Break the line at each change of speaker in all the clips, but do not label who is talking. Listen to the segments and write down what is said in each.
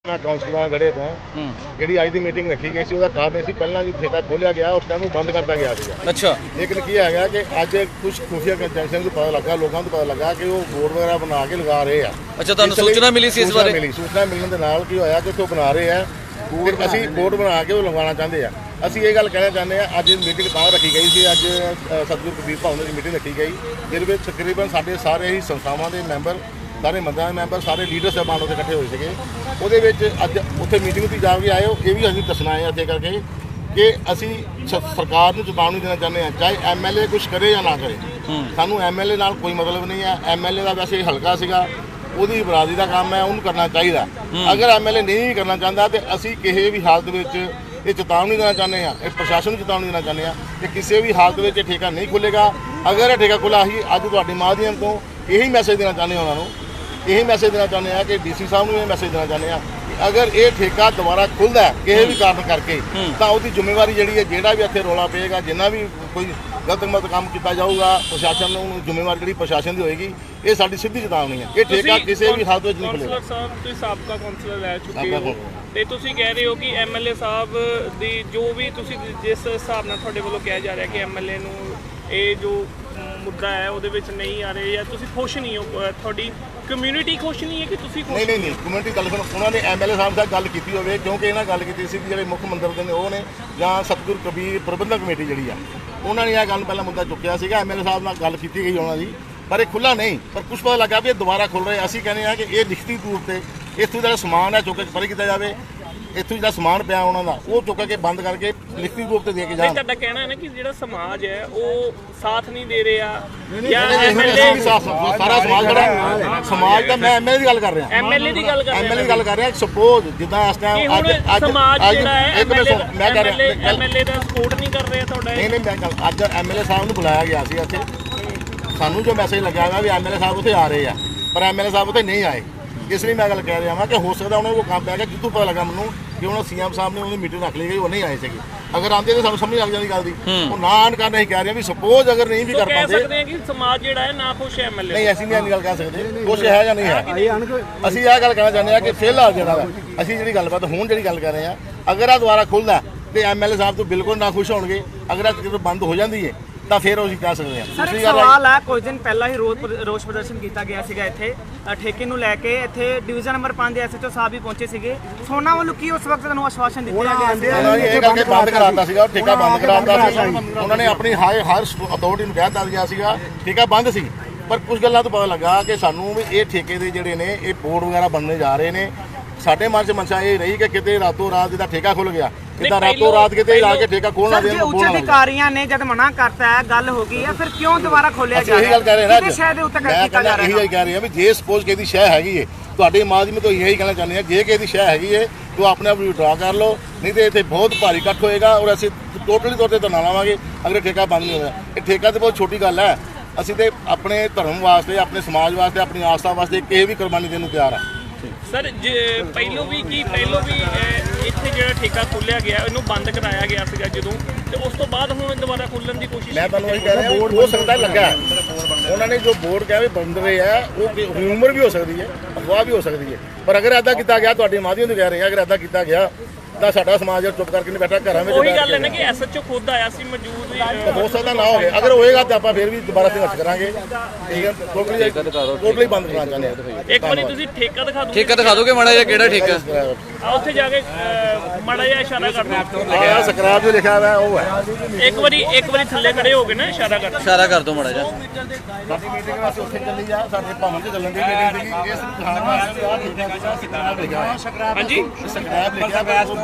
ਕਾਉਂਸਲਰਾਂ ਗੜੇ ਤੋਂ ਜਿਹੜੀ ਅੱਜ ਦੀ ਮੀਟਿੰਗ ਰੱਖੀ ਗਈ ਸੀ ਉਹਦਾ ਕਾਰਨ ਸੀ ਪਹਿਲਾਂ ਜੀ ਠੇਕਾ ਖੋਲਿਆ ਗਿਆ ਉਸ ਟਾਈਮ ਨੂੰ ਬੰਦ ਕਰਤਾ ਗਿਆ ਸੀ।
ਅੱਛਾ,
ਲੇਕਿਨ ਕੀ ਹੈਗਾ ਕਿ ਅੱਜ ਕੁਝ ਖੁਫੀਆ ਕੰਜੈਕਸ਼ਨ ਨੂੰ ਪਤਾ ਲੱਗਾ, ਲੋਕਾਂ ਨੂੰ ਪਤਾ ਲੱਗਾ ਕਿ ਉਹ ਬੋਰਡ ਵਗੈਰਾ ਬਣਾ ਕੇ ਲਗਾ ਰਹੇ ਆ।
ਅੱਛਾ, ਤੁਹਾਨੂੰ ਸੂਚਨਾ ਮਿਲੀ ਸੀ ਇਸ ਬਾਰੇ?
ਸੂਚਨਾ ਮਿਲਣ ਦੇ ਨਾਲ ਕੀ ਹੋਇਆ ਕਿ ਉੱਥੋਂ ਬਣਾ ਰਹੇ ਆ ਬੋਰਡ, ਅਸੀਂ ਬੋਰਡ ਬਣਾ ਕੇ ਉਹ ਲਗਵਾਉਣਾ ਚਾਹੁੰਦੇ ਆ। ਅਸੀਂ ਇਹ ਗੱਲ ਕਹਿਣਾ ਚਾਹੁੰਦੇ ਆ, ਅੱਜ ਮੀਟਿੰਗ ਤਾਂ ਰੱਖੀ ਗਈ ਸੀ, ਅੱਜ ਸਤਿਗੁਰੂ ਕਬੀਰ ਭਵਨ ਦੀ ਮੀਟਿੰਗ ਰੱਖੀ ਗਈ ਜਿਹਦੇ ਵਿੱਚ ਤਕਰੀਬਨ ਸਾਡੇ ਸਾਰੇ ਹੀ ਸੰਸਥਾਵਾਂ ਦੇ ਮੈਂਬਰ, ਸਾਰੇ ਮੰਦਾਂ ਦੇ ਮੈਂਬਰ, ਸਾਰੇ ਲੀਡਰ ਸਾਹਿਬਾਨ ਉੱਥੇ ਇਕੱਠੇ ਹੋਏ ਸੀਗੇ। ਉਹਦੇ ਵਿੱਚ ਅੱਜ ਉੱਥੇ ਮੀਟਿੰਗ 'ਤੇ ਜਾ ਕੇ ਆਏ ਹੋ, ਇਹ ਵੀ ਅਸੀਂ ਦੱਸਣਾ ਹੈ ਇੱਥੇ ਕਰਕੇ ਕਿ ਅਸੀਂ ਸਰਕਾਰ ਨੂੰ ਚੇਤਾਵਨੀ ਦੇਣਾ ਚਾਹੁੰਦੇ ਹਾਂ, ਚਾਹੇ ਐਮਐਲਏ ਕੁਝ ਕਰੇ ਜਾਂ ਨਾ ਕਰੇ, ਸਾਨੂੰ ਐਮਐਲਏ ਨਾਲ ਕੋਈ ਮਤਲਬ ਨਹੀਂ ਹੈ। ਐਮਐਲਏ ਦਾ ਵੈਸੇ ਹਲਕਾ ਸੀਗਾ, ਉਹਦੀ ਬਰਾਦਰੀ ਦਾ ਕੰਮ ਹੈ, ਉਹਨੂੰ ਕਰਨਾ ਚਾਹੀਦਾ। ਅਗਰ ਐਮਐਲਏ ਨਹੀਂ ਕਰਨਾ ਚਾਹੁੰਦਾ ਤੇ ਅਸੀਂ ਕਿਸੇ ਵੀ ਹਾਲਤ ਵਿੱਚ ਇਹ ਚੇਤਾਵਨੀ ਦੇਣਾ ਚਾਹੁੰਦੇ ਹਾਂ, ਇਹ ਪ੍ਰਸ਼ਾਸਨ ਨੂੰ ਚੇਤਾਵਨੀ ਦੇਣਾ ਚਾਹੁੰਦੇ ਹਾਂ ਕਿ ਕਿਸੇ ਵੀ ਹਾਲਤ ਵਿੱਚ ਇਹ ਠੇਕਾ ਨਹੀਂ ਖੁੱਲ੍ਹੇਗਾ। ਅਗਰ ਇਹ ਠੇਕਾ ਖੁੱਲ੍ਹਾ, ਅਸੀਂ ਅੱਜ ਤੁਹਾਡੇ ਮਾਧਿਅਮ ਤੋਂ ਇਹੀ ਮੈਸੇਜ ਦੇਣਾ ਚਾਹੁੰਦੇ ਹਾਂ ਉਹਨਾਂ ਨੂੰ, ਇਹੀ ਮੈਸੇਜ ਦੇਣਾ ਚਾਹੁੰਦੇ ਹਾਂ ਕਿ ਡੀਸੀ ਸਾਹਿਬ ਨੂੰ ਇਹ ਮੈਸੇਜ ਦੇਣਾ ਚਾਹੁੰਦੇ ਹਾਂ ਕਿ ਅਗਰ ਇਹ ਠੇਕਾ ਦੁਬਾਰਾ ਖੁੱਲ੍ਹਦਾ ਕਿਸੇ ਵੀ ਕਾਰਨ ਕਰਕੇ ਤਾਂ ਉਹਦੀ ਜ਼ਿੰਮੇਵਾਰੀ ਜਿਹੜੀ ਹੈ, ਜਿਹੜਾ ਵੀ ਇੱਥੇ ਰੌਲਾ ਪਏਗਾ, ਜਿੰਨਾ ਵੀ ਕੋਈ ਗਲਤ ਕੰਮ ਕੀਤਾ ਜਾਊਗਾ, ਪ੍ਰਸ਼ਾਸਨ ਨੂੰ ਜ਼ਿੰਮੇਵਾਰੀ ਜਿਹੜੀ ਪ੍ਰਸ਼ਾਸਨ ਦੀ ਹੋਏਗੀ। ਇਹ ਸਾਡੀ ਸਿੱਧੀ ਚੇਤਾਵਨੀ ਹੈ, ਇਹ ਠੇਕਾ ਕਿਸੇ ਵੀ ਹਾਲਤ ਵਿੱਚ ਨਹੀਂ ਖੁੱਲ੍ਹੇਗਾ।
ਕਾਉਂਸਲਰ ਸਾਹਿਬ, ਤੁਸੀਂ ਸਾਬਕਾ ਕਾਉਂਸਲਰ ਰਹਿ ਚੁੱਕੇ ਹੋ ਤੇ ਤੁਸੀਂ ਕਹਿ ਰਹੇ ਹੋ ਕਿ ਐਮਐਲਏ ਸਾਹਿਬ ਦੀ ਜੋ ਵੀ ਤੁਸੀਂ ਜਿਸ ਹਿਸਾਬ ਨਾਲ ਤੁਹਾਡੇ ਵੱਲੋਂ ਕਿਹਾ ਜਾ ਰਿਹਾ ਕਿ ਐਮਐਲਏ ਨੂੰ ਇਹ ਜੋ ਮੁੱਦਾ ਹੈ ਉਹਦੇ ਵਿੱਚ ਨਹੀਂ ਆ ਰਹੇ, ਜਾਂ ਤੁਸੀਂ ਖੁਸ਼ ਨਹੀਂ ਹੋ, ਤੁਹਾਡੀ ਕਮਿਊਨਿਟੀ ਖੁਸ਼ ਨਹੀਂ ਹੈ ਕਿ ਤੁਸੀਂ ਖੁਸ਼?
ਨਹੀਂ, ਕਮਿਊਨਿਟੀ ਗੱਲ ਸੁਣੋ, ਉਹਨਾਂ ਨੇ ਐਮਐਲਏ ਸਾਹਿਬ ਨਾਲ ਗੱਲ ਕੀਤੀ ਹੋਵੇ, ਕਿਉਂਕਿ ਇਹਨਾਂ ਗੱਲ ਕੀਤੀ ਸੀ ਕਿ ਜਿਹੜੇ ਮੁੱਖ ਮੰਦਰ ਦੇ ਨੇ ਉਹ ਨੇ ਜਾਂ ਸਤਿਗੁਰੂ ਕਬੀਰ ਪ੍ਰਬੰਧਕ ਕਮੇਟੀ ਜਿਹੜੀ ਆ, ਉਹਨਾਂ ਨੇ ਇਹ ਗੱਲ ਪਹਿਲਾਂ ਮੁੱਦਾ ਚੁੱਕਿਆ ਸੀਗਾ। ਐਮਐਲਏ ਸਾਹਿਬ ਨਾਲ ਗੱਲ ਕੀਤੀ ਗਈ ਉਹਨਾਂ ਦੀ, ਪਰ ਇਹ ਖੁੱਲ੍ਹਾ ਨਹੀਂ। ਪਰ ਕੁਛ ਪਤਾ ਲੱਗਾ ਵੀ ਇਹ ਦੁਬਾਰਾ ਖੁੱਲ੍ਹ ਰਹੇ। ਅਸੀਂ ਕਹਿੰਦੇ ਹਾਂ ਕਿ ਇਹ ਲਿਖਤੀ ਤੌਰ ਤੇ ਇੱਥੋਂ ਜਿਹੜਾ ਸਮਾਨ ਹੈ ਚੁੱਕ ਕੇ ਪਰੇ ਕੀਤਾ ਜਾਵੇ, ਇੱਥੋਂ ਜਿਹੜਾ ਸਮਾਨ ਪਿਆ ਉਹਨਾਂ ਦਾ ਉਹ ਚੁੱਕ ਕੇ ਬੰਦ ਕਰਕੇ ਲਿਖਤੀ ਰੂਪ ਤੇ ਦੇ ਕੇ ਜਾਣ।
ਤੁਹਾਡਾ ਕਹਿਣਾ ਹੈ ਨਾ ਕਿ ਜਿਹੜਾ ਸਮਾਜ ਹੈ ਉਹ ਸਾਥ ਨਹੀਂ ਦੇ ਰਿਹਾ
ਜਾਂ ਐਮਐਲਏ ਸਾਰਾ ਸਮਾਜ ਖੜਾ, ਸਮਾਜ ਦਾ ਮੈਂ ਐਮਐਲਏ ਦੀ ਗੱਲ ਕਰ ਰਿਹਾ,
ਐਮਐਲਏ ਦੀ ਗੱਲ
ਕਰ ਰਿਹਾ। ਸਪੋਜ਼ ਜਿੱਦਾਂ ਇਸ ਟਾਈਮ
ਅੱਜ ਸਮਾਜ ਜਿਹੜਾ ਹੈ
ਮੈਂ ਕਰ ਰਿਹਾ
ਐਮਐਲਏ ਦਾ ਸਪੋਰਟ ਨਹੀਂ ਕਰ ਰਿਹਾ ਤੁਹਾਡਾ?
ਨਹੀਂ, ਮੈਂ ਅੱਜ ਐਮਐਲਏ ਸਾਹਿਬ ਨੂੰ ਬੁਲਾਇਆ ਗਿਆ ਸੀ ਇੱਥੇ, ਸਾਨੂੰ ਜੋ ਮੈਸੇਜ ਲੱਗਿਆ ਹੈਗਾ ਵੀ ਐਮਐਲਏ ਸਾਹਿਬ ਉੱਥੇ ਆ ਰਹੇ ਆ, ਪਰ ਐਮਐਲਏ ਸਾਹਿਬ ਉੱਥੇ ਨਹੀਂ ਆਏ। ਇਸ ਲਈ ਮੈਂ ਗੱਲ ਕਹਿ ਰਿਹਾ ਹਾਂ ਕਿ ਹੋ ਸਕਦਾ ਉਹਨਾਂ ਨੂੰ ਕੋਈ ਕੰਮ ਪੈ ਗਿਆ, ਜਿੱਥੋਂ ਪਤਾ ਲੱਗਾ ਮੈਨੂੰ ਕਿ ਉਹਨਾਂ ਸੀਐਮ ਸਾਹਿਬ ਨੇ ਉਹਦੀ ਮੀਟਿੰਗ ਰੱਖ ਲਈ ਗਈ, ਉਹ ਨਹੀਂ ਆਏ ਸੀਗੇ। ਅਗਰ ਆਉਂਦੇ ਤਾਂ ਸਾਨੂੰ ਸਮਝ ਲੱਗ ਜਾਂਦੀ ਗੱਲ ਦੀ। ਉਹ ਨਾ ਆਉਣ ਕਾਰਨ ਅਸੀਂ ਕਹਿ ਰਹੇ ਹਾਂ ਵੀ ਸਪੋਜ਼ ਅਗਰ ਨਹੀਂ ਵੀ ਕਰ ਪਾਉਂਦੇ,
ਕਹਿ ਸਕਦੇ ਹਾਂ ਕਿ ਸਮਾਜ ਜਿਹੜਾ ਹੈ ਨਾ ਖੁਸ਼ ਹੈ ਐਮਐਲਏ।
ਨਹੀਂ, ਅਸੀਂ ਨਹੀਂ ਗੱਲ ਕਹਿ ਸਕਦੇ ਖੁਸ਼ ਹੈ ਜਾਂ ਨਹੀਂ ਹੈ। ਅਸੀਂ ਇਹ ਗੱਲ ਕਹਿਣਾ ਚਾਹੁੰਦੇ ਹਾਂ ਕਿ ਫਿਲਹਾਲ ਜਿਹੜਾ ਅਸੀਂ ਜਿਹੜੀ ਗੱਲਬਾਤ ਹੁਣ ਜਿਹੜੀ ਗੱਲ ਕਰ ਰਹੇ ਹਾਂ, ਅਗਰ ਆ ਦੁਬਾਰਾ ਖੁੱਲ੍ਹਦਾ ਤੇ ਐਮਐਲਏ ਸਾਹਿਬ ਤੋਂ ਬਿਲਕੁਲ ਨਾ ਖੁਸ਼ ਹੋਣਗੇ। ਅਗਰ ਜਦੋਂ ਬੰਦ ਹੋ ਜਾਂਦੀ ਹੈ ਤਾਂ ਫਿਰ ਅਸੀਂ ਕਹਿ ਸਕਦੇ ਹਾਂ।
ਸਰ, ਸਵਾਲ ਹੈ, ਕੁਝ ਦਿਨ ਪਹਿਲਾਂ ਹੀ ਰੋਸ ਪ੍ਰਦਰਸ਼ਨ ਕੀਤਾ ਗਿਆ ਸੀਗਾ ਇੱਥੇ ਠੇਕੇ ਨੂੰ ਲੈ ਕੇ। ਇੱਥੇ ਡਿਵੀਜ਼ਨ ਨੰਬਰ 5 ਦੇ ਐਸਐਚਓ ਸਾਹਿਬ ਵੀ ਪਹੁੰਚੇ ਸੀਗੇ। ਸੋਨਾ ਵੱਲੋਂ ਕੀ ਉਸ ਵਕਤ ਤੁਹਾਨੂੰ ਆਸ਼ਵਾਸਨ ਦਿੱਤਾ ਗਿਆ ਸੀ?
ਉਹਨਾਂ ਨੇ ਇਹ ਕਰਕੇ ਬੰਦ ਕਰਾਤਾ ਸੀਗਾ, ਠੇਕਾ ਬੰਦ ਕਰਾਤਾ ਸੀ। ਉਹਨਾਂ ਨੇ ਆਪਣੀ ਹਰ ਅਥਾਰਟੀ ਨੂੰ ਕਹਿ ਦਿੱਤਾ ਗਿਆ ਸੀਗਾ ਠੇਕਾ ਬੰਦ ਸੀ। ਪਰ ਕੁਝ ਗੱਲਾਂ ਤੋਂ ਪਤਾ ਲੱਗਾ ਕਿ ਸਾਨੂੰ ਵੀ ਇਹ ਠੇਕੇ ਦੇ ਜਿਹੜੇ ਨੇ ਇਹ ਬੋਰਡ ਵਗੈਰਾ ਬਣਨੇ ਜਾ ਰਹੇ ਨੇ। ਸਾਡੇ ਮਨ 'ਚ ਮਨਸ਼ਾ ਇਹ ਰਹੀ ਕਿ ਕਿਤੇ ਰਾਤੋਂ ਰਾਤ ਇਹਦਾ ਠੇਕਾ ਖੁੱਲ ਗਿਆ, ਕਿਦਾਂ ਰਾਤੋਂ ਰਾਤ ਕਿਤੇ ਲਾ ਕੇ ਠੇਕਾ ਖੋਲਣਾ ਦੇ।
ਉੱਚ ਅਧਿਕਾਰੀਆਂ ਨੇ ਜਦ ਮਨਾ ਕਰਤਾ ਹੈ, ਗੱਲ ਹੋ ਗਈ ਹੈ, ਫਿਰ ਕਿਉਂ ਦੁਬਾਰਾ ਖੋਲਿਆ ਜਾ ਰਿਹਾ?
ਇਹੀ ਗੱਲ ਕਹਿ ਰਹੇ ਨਾ,
ਸ਼ਹਿਰ ਦੇ ਉੱਤੇ ਕੀਤਾ ਜਾ ਰਿਹਾ।
ਇਹੀ ਕਹਿ ਰਹੇ ਹਾਂ ਵੀ ਜੇ ਸਪੋਜ਼ ਕਿਸੇ ਦੀ ਸ਼ਹਿ ਹੈਗੀ ਏ, ਤੁਹਾਡੇ ਮਾਧਿਅਮ ਤੋਂ ਇਹੀ ਕਹਿਣਾ ਚਾਹੁੰਦੇ ਹਾਂ, ਜੇ ਕਿਸੇ ਦੀ ਸ਼ਹਿ ਹੈਗੀ ਏ ਤਾਂ ਆਪਣੇ ਆਪ ਵਿਡਰਾ ਕਰ ਲਓ, ਨਹੀਂ ਤੇ ਇੱਥੇ ਬਹੁਤ ਭਾਰੀ ਇਕੱਠ ਹੋਏਗਾ ਔਰ ਅਸੀਂ ਟੋਟਲੀ ਤੌਰ ਤੇ ਧਰਨਾ ਲਾਵਾਂਗੇ ਅਗਰ ਠੇਕਾ ਬੰਦ ਨਹੀਂ ਹੋਇਆ। ਇਹ ਠੇਕਾ ਤੇ ਬਹੁਤ ਛੋਟੀ ਗੱਲ ਹੈ। ਅਸੀਂ ਤੇ ਆਪਣੇ ਧਰਮ ਵਾਸਤੇ, ਆਪਣੇ ਸਮਾਜ ਵਾਸਤੇ, ਆਪਣੀ ਆਸਥਾ ਵਾਸਤੇ ਕਿਸੇ ਵੀ ਕੁਰਬਾਨੀ ਦੇਣ ਨੂੰ ਤਿਆਰ ਹਾਂ।
ਸਰ, ਪਹਿਲੋਂ ਵੀ ਇੱਥੇ ਜਿਹੜਾ ਠੇਕਾ ਖੋਲ੍ਹਿਆ ਗਿਆ ਇਹਨੂੰ ਬੰਦ ਕਰਾਇਆ ਗਿਆ ਸੀਗਾ ਜਦੋਂ, ਤੇ ਉਸ ਤੋਂ ਬਾਅਦ ਹੁਣ ਦੁਬਾਰਾ ਖੋਲ੍ਹਣ ਦੀ ਕੋਸ਼ਿਸ਼?
ਮੈਂ ਤੁਹਾਨੂੰ ਇਹ ਕਹਿ ਰਿਹਾ ਹੋ ਸਕਦਾ ਲੱਗਾ ਉਹਨਾਂ ਨੇ ਜੋ ਬੋਰਡ ਕਿਹਾ ਵੀ ਬੰਦ ਰਹੇ ਆ, ਉਹ ਹਿਊਮਰ ਵੀ ਹੋ ਸਕਦੀ ਹੈ, ਅਫਵਾਹ ਵੀ ਹੋ ਸਕਦੀ ਹੈ। ਪਰ ਅਗਰ ਇੱਦਾਂ ਕੀਤਾ ਗਿਆ, ਤੁਹਾਡੇ ਮਾਧਿਅਮ ਤੋਂ ਕਹਿ ਰਹੇ ਆ, ਅਗਰ ਇੱਦਾਂ ਕੀਤਾ ਗਿਆ ਤਾਂ ਸਾਡਾ ਸਮਾਜ ਚੁੱਪ ਕਰਕੇ ਨਹੀਂ ਬੈਠਾ, ਘਰਾਂ ਵਿੱਚ।
ਉਹੀ ਗੱਲ ਹੈ ਨਾ ਕਿ ਐਸਐਚਓ ਖੁਦ ਆਇਆ ਸੀ, ਮੌਜੂਦ
ਹੋ ਸਕਦਾ ਨਾ ਹੋਵੇ। ਅਗਰ ਹੋਏਗਾ ਤਾਂ ਆਪਾਂ ਫਿਰ ਵੀ ਦੁਬਾਰਾ ਸੰਘਰਸ਼ ਕਰਾਂਗੇ। ਠੀਕ ਹੈ, ਟੋਟਲੀ ਬੰਦ ਕਰਨਾ ਚਾਹੁੰਦੇ ਹਾਂ।
ਇੱਕ ਵਾਰੀ ਤੁਸੀਂ ਠੇਕਾ
ਦਿਖਾ ਦੋਗੇ ਮਾੜਾ ਜਿਹਾ, ਕਿਹੜਾ ਠੇਕਾ?
ਉੱਥੇ ਜਾ ਕੇ ਮਾੜਾ ਜਿਹਾ ਇਸ਼ਾਰਾ ਕਰ ਦਿਓ।
ਆਹ ਸਕ੍ਰੈਪ ਜੋ ਲਿਖਿਆ ਹੋਇਆ ਉਹ ਹੈ।
ਇੱਕ ਵਾਰੀ ਥੱਲੇ ਖੜੇ ਹੋ ਕੇ ਨਾ ਇਸ਼ਾਰਾ ਕਰ
ਦਿਓ ਮਾੜਾ ਜਿਹਾ।
ਸਾਡੀ ਮੀਟਿੰਗ ਵਾਸਤੇ ਉੱਥੇ ਚੱਲੀ ਜਾ, ਸਾਡੇ ਭਵਨ 'ਚ ਚੱਲਣ ਦੀ ਮੀਟਿੰਗ ਸੀਗੀ। ਇਸ ਦਿਖਾਉਣ ਵਾਸਤੇ ਆਹ ਸਕ੍ਰੈਪ ਲਿਖਿਆ ਹੋਇਆ।
ਹਾਂਜੀ,
ਸਕ੍ਰੈਪ ਲਿਖਿਆ ਹੋਇਆ।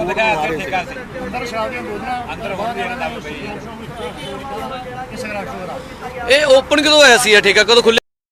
ਇਹ ਓਪਨ ਕਦੋਂ ਹੋਇਆ ਸੀ? ਠੇਕਾ ਕਦੋਂ ਖੁੱਲ੍ਹਿਆ?